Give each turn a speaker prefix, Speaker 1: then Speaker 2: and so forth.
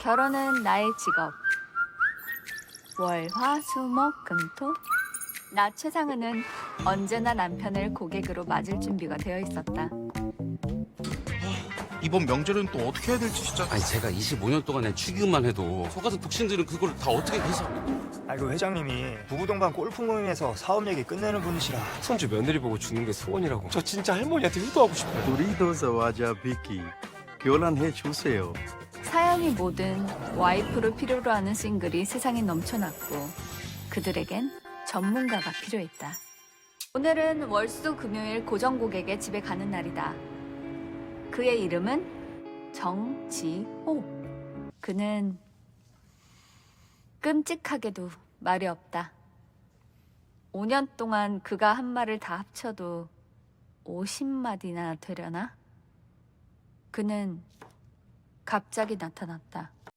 Speaker 1: 결혼은 나의 직업. 월, 화, 수, 목, 금, 토. 나 최상은은 언제나 남편을 고객으로 맞을 준비가 되어 있었다.
Speaker 2: 이번 명절은 또 어떻게 해야 될지 진짜.
Speaker 3: 아니 제가 25년 동안에 축의금만 해도 저 같은 독신들은 그걸 다 어떻게 계산?
Speaker 4: 알고 회장님이 부부 동반 골프 모임에서 사업 얘기 끝내는 분이시라.
Speaker 5: 손주 며느리 보고 죽는 게 소원이라고. 저 진짜 할머니한테 효도하고 싶어요.
Speaker 6: 우리도 저와자 비키 교란해 주세요.
Speaker 1: 사연이 뭐든 와이프를 필요로 하는 싱글이 세상에 넘쳐났고 그들에겐 전문가가 필요했다. 오늘은 월수 금요일 고정 고객의 집에 가는 날이다. 그의 이름은 정지호. 그는 끔찍하게도 말이 없다. 5년 동안 그가 한 말을 다 합쳐도 50마디나 되려나? 그는 갑자기 나타났다.